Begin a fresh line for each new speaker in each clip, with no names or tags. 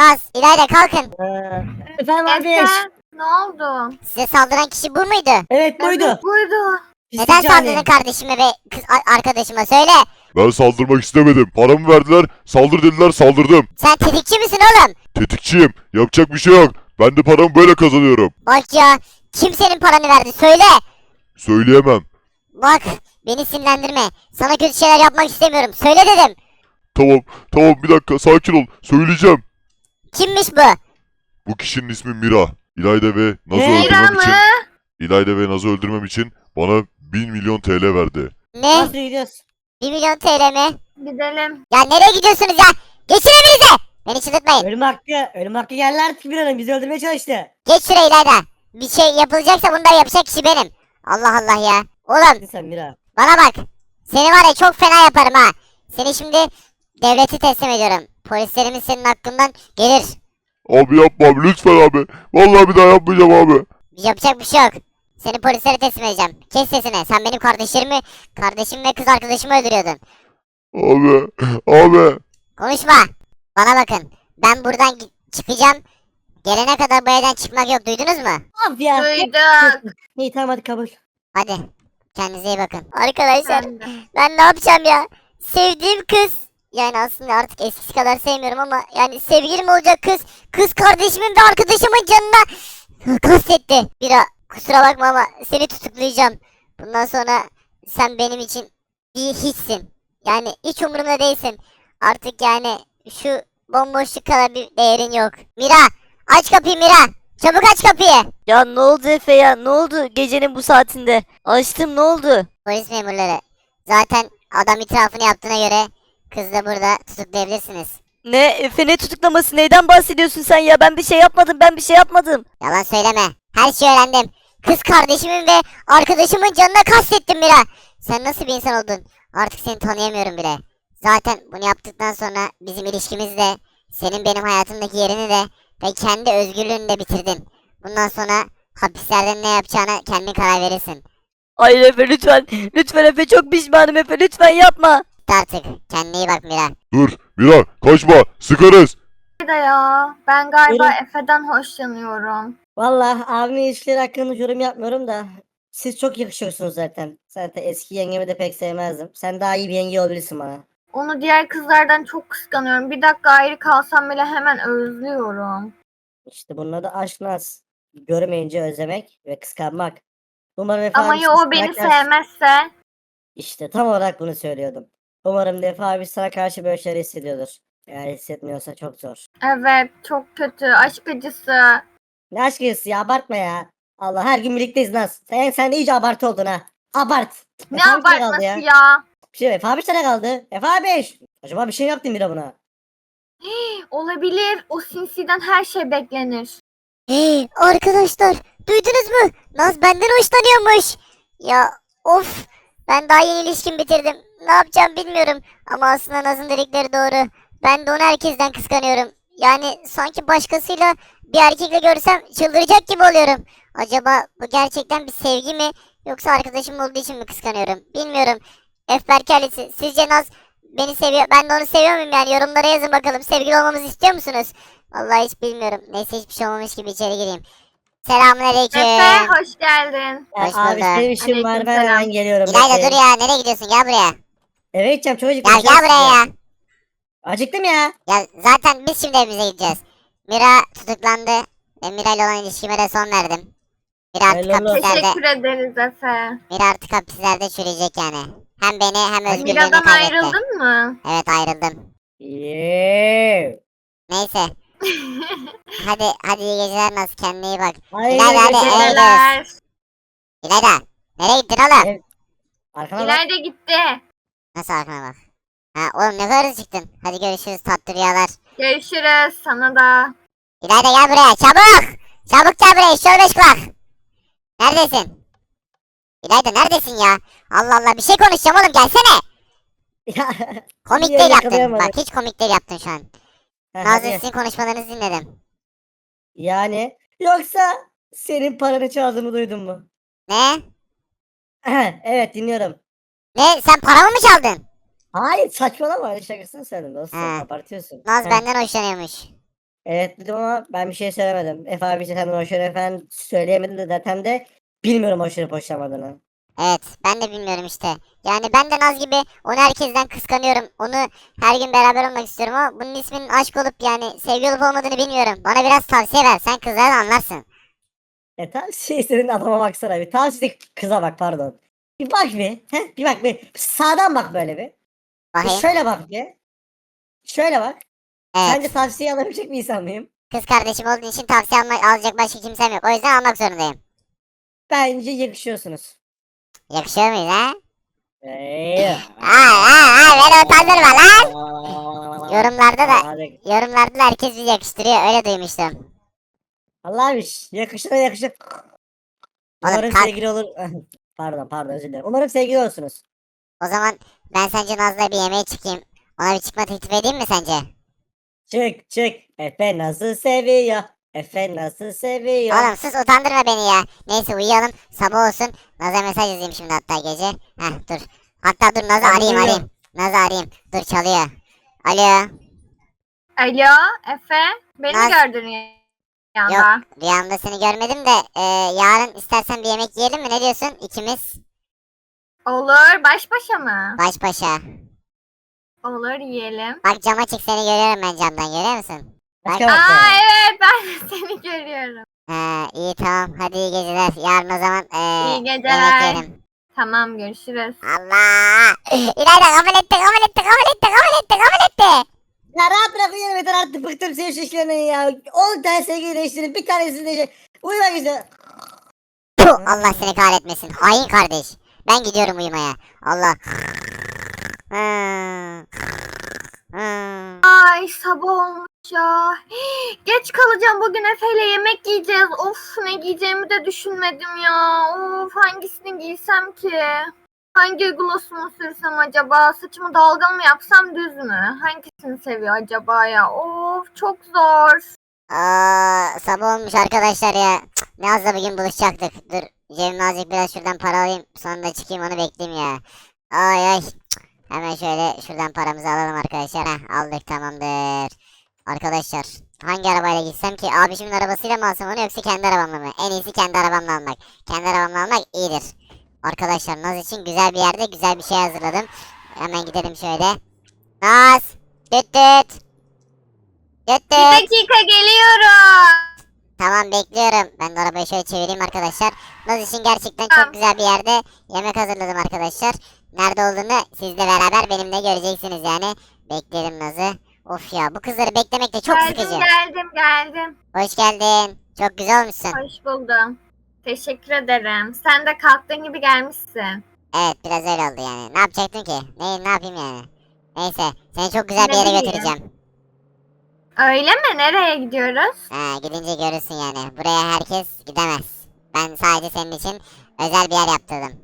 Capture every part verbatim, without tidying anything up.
Naz, İlayda kalkın.
Ee, efendim abi.
Efe, ne oldu?
Size saldıran kişi bu muydu?
Evet buydu.
Evet, buydu.
Pislik
Neden
cani.
saldırdın kardeşime ve kız a- arkadaşıma söyle.
Ben saldırmak istemedim. Paramı verdiler, saldır dediler, saldırdım.
Sen tetikçi misin oğlum?
Tetikçiyim. Yapacak bir şey yok. Ben de paramı böyle kazanıyorum.
Bak ya, kim senin paranı verdi söyle.
Söyleyemem.
Bak, beni sinirlendirme. Sana kötü şeyler yapmak istemiyorum. Söyle dedim.
Tamam, tamam bir dakika sakin ol. Söyleyeceğim.
Kimmiş bu?
Bu kişinin ismi Mira. İlayda ve Naz'ı
Ne?
Mira
öldürmem
mı?
için İlayda ve Naz'ı öldürmem için bana bin milyon T L verdi.
Ne?
Nasıl gidiyoruz?
bir milyon T L mi?
Gidelim.
Ya nereye gidiyorsunuz ya? Geçin evinize. Beni çıldırtmayın.
Ölüm hakkı. Ölüm hakkı geldi artık bir hanım. Bizi öldürmeye çalıştı.
Geç şuraya İlayda. Bir şey yapılacaksa bunları yapacak kişi benim. Allah Allah ya. Oğlum
Hadi sen Mira.
bana bak. Seni var ya çok fena yaparım ha. Seni şimdi devleti teslim ediyorum. Polislerimiz senin hakkından gelir.
Abi yapma abi lütfen abi. Vallahi bir daha yapmayacağım abi.
Yapacak bir şey yok. Seni polislere teslim edeceğim. Kes sesini. Sen benim kardeşlerimi, kardeşim ve kız arkadaşımı öldürüyordun.
Abi, abi.
Konuşma. Bana bakın. Ben buradan gi- çıkacağım. Gelene kadar bu evden çıkmak yok. Duydunuz mu?
Of ya.
Duyduk.
İyi tamam hadi kabul.
Hadi. Kendinize iyi bakın. Arkadaşlar
Ben de.
ben ne yapacağım ya? Sevdiğim kız. Yani aslında artık eskisi kadar sevmiyorum ama yani sevgilim olacak kız. Kız kardeşimin ve arkadaşımın canına kastetti. Bira kusura bakma ama seni tutuklayacağım. Bundan sonra sen benim için bir hiçsin. Yani hiç umurumda değilsin. Artık yani şu bomboşluk kadar bir değerin yok. Mira aç kapıyı Mira. Çabuk aç kapıyı.
Ya ne oldu Efe ya? Ne oldu gecenin bu saatinde? Açtım ne oldu?
Polis memurları. Zaten adam itirafını yaptığına göre kızı da burada tutuklayabilirsiniz.
Ne? Efe ne tutuklaması? Neyden bahsediyorsun sen ya? Ben bir şey yapmadım. Ben bir şey yapmadım.
Yalan söyleme. Her şeyi öğrendim. Kız kardeşimin ve arkadaşımın canına kastettim Mira. Sen nasıl bir insan oldun? Artık seni tanıyamıyorum bile. Zaten bunu yaptıktan sonra bizim ilişkimiz de senin benim hayatımdaki yerini de ve kendi özgürlüğünü de bitirdin. Bundan sonra hapislerde ne yapacağına kendin karar verirsin.
Hayır Efe lütfen. Lütfen Efe çok pişmanım Efe. Lütfen yapma.
Bitti artık. Kendine iyi bak Mira.
Dur Mira kaçma sıkarız.
Bir de ya. Ben galiba
Buyurun.
Efe'den hoşlanıyorum.
Valla abimin ilişkileri hakkında yorum yapmıyorum da. Siz çok yakışıyorsunuz zaten. Zaten eski yengemi de pek sevmezdim. Sen daha iyi bir yenge olabilirsin bana.
Onu diğer kızlardan çok kıskanıyorum. Bir dakika ayrı kalsam bile hemen özlüyorum.
İşte bunun adı aşk naz. Görmeyince özlemek ve kıskanmak. Umarım Efe
Ama
abi
ya
siz
o beni
karakter-
sevmezse?
İşte tam olarak bunu söylüyordum. Umarım Efe abi sana karşı böyle şeyler hissediyordur. Eğer hissetmiyorsa çok zor.
Evet, çok kötü. Aşk acısı.
Ne aşk acısı ya abartma ya. Allah her gün birlikteyiz Naz. Sen, sen de iyice abartı oldun ha. Abart.
Ne
Efe abi nerede kaldı
abartması
ya?
ya?
Bir şey Efe abi nerede kaldı? Efe abi. Acaba bir şey mi yaptın bira buna?
Olabilir. O sinsiden her şey beklenir.
Hey, arkadaşlar duydunuz mu? Naz benden hoşlanıyormuş. Ya of ben daha yeni ilişkim bitirdim. Ne yapacağım bilmiyorum. Ama aslında Naz'ın dedikleri doğru. Ben de onu herkesten kıskanıyorum. Yani sanki başkasıyla bir erkekle görsem çıldıracak gibi oluyorum. Acaba bu gerçekten bir sevgi mi? Yoksa arkadaşım olduğu için mi kıskanıyorum? Bilmiyorum. Efberkelisi sizce Naz beni seviyor. Ben de onu seviyor muyum yani? Yorumlara yazın bakalım. Sevgili olmamızı istiyor musunuz? Vallahi hiç bilmiyorum. Neyse hiçbir şey olmamış gibi içeri gireyim. Selamünaleyküm.
Efe hoş geldin.
Ya
Hoş
abi
bulduk.
senin işin var ben
Aleykümselam.
hemen geliyorum.
İlayda
bekleyin.
dur ya. Nereye gidiyorsun? Gel buraya.
Eve gideceğim çocuk.
Gel gel buraya ya.
Acıktım ya.
Ya zaten biz şimdi evimize gideceğiz. Mira tutuklandı. Ve Mira ile olan ilişkime de son verdim. Mira artık
Hayırlı olsun.
hapislerde,
Teşekkür ederiz Efe.
Mira artık hapislerde çürüyecek yani. Hem beni hem özgürlüğünü
Mira'dan
kaybetti.
ayrıldın mı?
Evet ayrıldım.
Yeee.
Neyse. Hadi hadi iyi geceler Naz. Kendine iyi bak.
Hayır,
İlayda hadi
geceler.
eve gidiyoruz.
Geceler.
İlayda. Nereye gittin oğlum?
Evet. Arkana bak.
İleride gitti.
Nasıl arkana bak. Ha oğlum ne kadar hızlı çıktın. Hadi görüşürüz tatlı rüyalar.
Görüşürüz sana da.
İlayda gel buraya çabuk. Çabuk gel buraya eşşoğlu beş kulak. Neredesin? İlayda neredesin ya? Allah Allah bir şey konuşacağım oğlum gelsene.
Ya.
Komik
Niye
değil yaptın.
yakalayamadım?
Bak hiç komik değil yaptın şu an.
Ha,
Nazlı
hadi.
sizin konuşmalarınızı dinledim.
Yani yoksa senin paranı çaldığımı duydun mu?
Ne?
Evet dinliyorum.
Ne sen paramı mı çaldın?
Hayır saçmalama öyle şakasını söyledim dostum
Ha.
abartıyorsun.
Naz
Ha.
benden hoşlanıyormuş.
Evet dedim ama ben bir şey söylemedim. Efe abi işte senden hoşlanıyor falan söyleyemedim de zaten de bilmiyorum hoşlanıp hoşlanmadığını.
Evet, ben de bilmiyorum işte. Yani ben de Naz gibi onu herkesten kıskanıyorum. Onu her gün beraber olmak istiyorum ama bunun isminin aşk olup yani sevgi olup olmadığını bilmiyorum. Bana biraz tavsiye ver. Sen kızları anlarsın.
E tavsiye istediğin adama baksana bir. Tavsiye kıza bak pardon. Bir bak bir. Heh, bir bak bir. Sağdan bak böyle bir. Bir
Bakayım.
şöyle bak bir. Şöyle bak. Sence
Evet.
tavsiye alabilecek bir insan mıyım?
Kız kardeşim olduğun için tavsiye almak, alacak başka kimsem yok. O yüzden almak zorundayım.
Bence yakışıyorsunuz.
Yakışıyor muyuz ha?
Eee.
Ay ay ay beni utandırma lan. Yorumlarda da
Hadi.
yorumlarda da herkes bizi yakıştırıyor. Öyle duymuştum.
Allah'mış. Yakışır yakışır.
Oğlum
Umarım
kalk.
sevgili olur. Pardon pardon özür dilerim. Umarım sevgili olsunuz.
O zaman ben sence Naz'la bir yemeğe çıkayım. Ona bir çıkma teklif edeyim mi sence?
Çık çık. Efe nasıl seviyor? Efe nasıl seviyor?
Oğlum sus utandırma beni ya. Neyse uyuyalım sabah olsun. Naz'a mesaj yazayım şimdi hatta gece. Heh dur. Hatta dur Naz'ı
Ben
arayayım
uyuyorum.
arayayım. Naz'ı arayayım. Dur çalıyor. Alo.
Alo Efe. Beni
Naz-
gördün rüyanda.
Yok rüyamda seni görmedim de e, yarın istersen bir yemek yiyelim mi? Ne diyorsun? İkimiz
Olur. Baş başa mı?
baş başa.
Olur yiyelim.
Bak cama çık seni görüyorum ben camdan görüyor musun?
Başka
Bak.
bak
Aa
ya.
evet ben de seni görüyorum.
He, iyi tamam hadi iyi geceler. Yarın o zaman e,
İyi
yemek
geceler.
yiyelim.
Tamam görüşürüz.
Allah! İlayda kabul etti kabul etti kabul etti kabul etti kabul etti.
Ya rahat bırak uyuyorum yeter artık bıktım senin şişlerinden ya. on tane sevgili değiştirin bir tanesini de şey. Uyumak üzere.
Puh, Allah seni kahretmesin. Hain kardeş. Ben gidiyorum uyumaya. Allah. Hmm. Hmm.
Ay sabah olmuş ya. Geç kalacağım bugün Efe'yle yemek yiyeceğiz. Of ne giyeceğimi de düşünmedim ya. Of hangisini giysem ki? Hangi glossumu sürsem acaba? Saçımı dalgalı mı yapsam düz mü? Hangisini seviyor acaba ya? Of çok zor.
Aa, sabah olmuş arkadaşlar ya. Cık, Naz'la bugün buluşacaktık. Dur cebime azıcık biraz şuradan para alayım. Sonra da çıkayım onu bekleyeyim ya. Ay ay. Cık, Hemen şöyle şuradan paramızı alalım arkadaşlar. Heh, aldık tamamdır. Arkadaşlar hangi arabayla gitsem ki? Abişimin arabasıyla mı alsam onu yoksa kendi arabamla mı? En iyisi kendi arabamla almak. Kendi arabamla almak iyidir. Arkadaşlar Naz için güzel bir yerde güzel bir şey hazırladım. Hemen gidelim şöyle. Naz. Düt düt. Düt
Bir
düt.
dakika geliyorum.
Tamam bekliyorum. Ben de arabayı şöyle çevireyim arkadaşlar. Naz için gerçekten
Tamam.
çok güzel bir yerde yemek hazırladım arkadaşlar. Nerede olduğunu sizle beraber benimle göreceksiniz yani. Bekleyelim Naz'ı. Of ya bu kızları beklemek de çok
geldim
sıkıcı.
geldim geldim.
Hoş geldin. Çok güzel olmuşsun.
Hoş buldum. Teşekkür ederim. Sen de kalktığın gibi gelmişsin.
Evet biraz öyle oldu yani. Ne yapacaktın ki? Ne, ne yapayım yani? Neyse seni çok güzel bir
Ne
yere
bileyim.
götüreceğim.
Öyle mi? Nereye gidiyoruz?
Ha, gidince görürsün yani. Buraya herkes gidemez. Ben sadece senin için özel bir yer yaptırdım.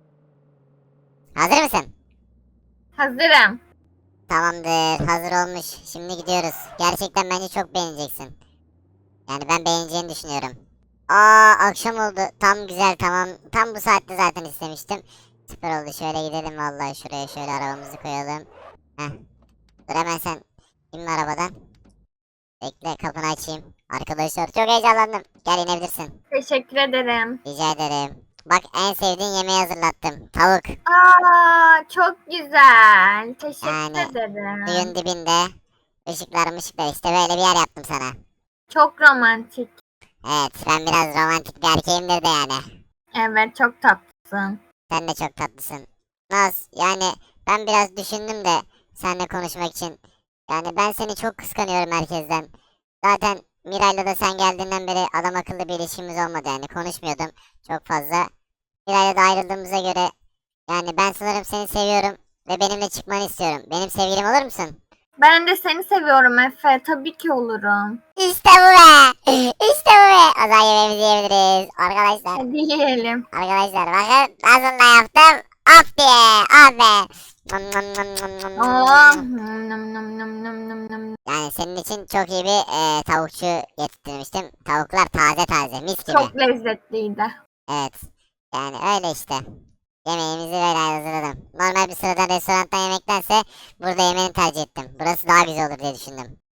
Hazır mısın?
Hazırım.
Tamamdır. Hazır olmuş. Şimdi gidiyoruz. Gerçekten bence çok beğeneceksin. Yani ben beğeneceğini düşünüyorum. Aa akşam oldu. Tam güzel tamam. Tam bu saatte zaten istemiştim. Süper oldu. Şöyle gidelim vallahi şuraya şöyle arabamızı koyalım. Heh. Dur hemen sen inme arabadan. Bekle kapını açayım. Arkadaşlar çok heyecanlandım. Gel inebilirsin.
Teşekkür ederim.
Rica ederim. Bak en sevdiğin yemeği hazırlattım. Tavuk.
Aa, çok güzel. Teşekkür
Yani,
ederim.
Suyun dibinde. Işıklar mışıklar işte böyle bir yer yaptım sana.
Çok romantik.
Evet ben biraz romantik bir erkeğimdir de yani.
Evet, çok tatlısın.
Sen de çok tatlısın. Naz yani ben biraz düşündüm de seninle konuşmak için. Yani ben seni çok kıskanıyorum herkesten. Zaten Miray'la da sen geldiğinden beri adam akıllı bir ilişkimiz olmadı yani konuşmuyordum çok fazla. Miray'la da ayrıldığımıza göre yani ben sanırım seni seviyorum ve benimle çıkmanı istiyorum. Benim sevgilim olur musun?
Ben de seni seviyorum Efe. Tabii ki olurum.
İşte bu be! İşte bu be! O zaman yemeğimizi yiyebiliriz. Arkadaşlar,
Hadi yiyelim.
arkadaşlar bakın nasıl da yaptım. Af diye, af be! Nom nom nom nom nom nom.
Oh. Nım nım nım nım nım nım nım.
Yani senin için çok iyi bir e, tavukçu getirtmiştim. Tavuklar taze taze, mis gibi.
Çok lezzetliydi.
Evet, yani öyle işte. Yemeğimizi böyle hazırladım. Normal bir sıradan restorandan yemektense burada yemeğini tercih ettim. Burası daha güzel olur diye düşündüm.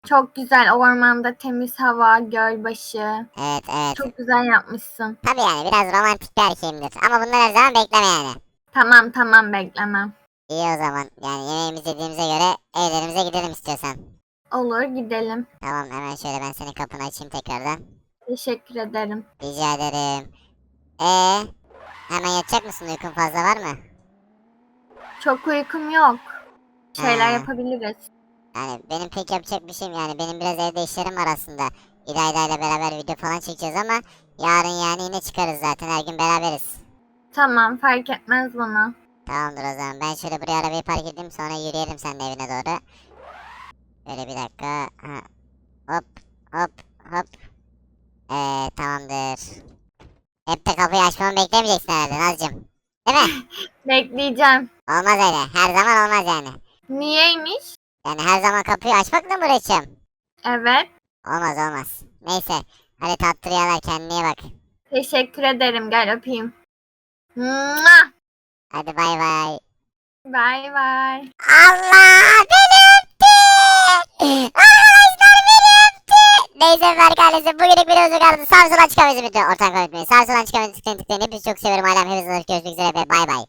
Çok güzel ormanda temiz hava, gölbaşı.
Evet evet.
Çok güzel yapmışsın.
Tabii yani biraz romantik bir erkeğimdir. Ama bunları her zaman bekleme yani.
Tamam tamam beklemem.
İyi o zaman. Yani yemeğimizi yediğimize göre evlerimize gidelim istiyorsan.
Olur gidelim.
Tamam hemen şöyle ben senin kapını açayım tekrardan.
Teşekkür ederim.
Rica ederim. Ee, hemen yatacak mısın? Uykun fazla var mı?
Çok uykum yok. Şeyler
Ha.
yapabiliriz.
Yani benim pek yapacak bir şeyim yani benim biraz evde işlerim var aslında. İlayda ile beraber video falan çekeceğiz ama yarın yani yine çıkarız zaten her gün beraberiz.
Tamam fark etmez bana.
Tamamdır o zaman ben şöyle buraya arabayı park edeyim sonra yürüyelim seninle evine doğru. Böyle bir dakika. Ha. Hop hop hop. Ee, tamamdır. Hep de kapıyı açmamı beklemeyeceksin herhalde Nazcığım. Değil mi?
Bekleyeceğim.
Olmaz öyle. Her zaman olmaz yani.
Niyeymiş?
Yani her zaman kapıyı açmakla mı uğraşacağım?
Evet.
Olmaz olmaz. Neyse. Hadi tatlı rüyalar kendine iyi bak.
Teşekkür ederim. Gel öpeyim. Mua!
Hadi bay bay.
Bay bay.
Allah beni öptü. Arkadaşlar beni öptü. Neyse Berk ailesi bugünlük videomuzu kaldı. Sağ sola çıkamayız bütün ortak öğretmeyi. Sağ sola çıkamayız tıklayın tıklayın. Hepinizi çok seviyorum. Alem hepinizi görüşmek üzere ve bay bay.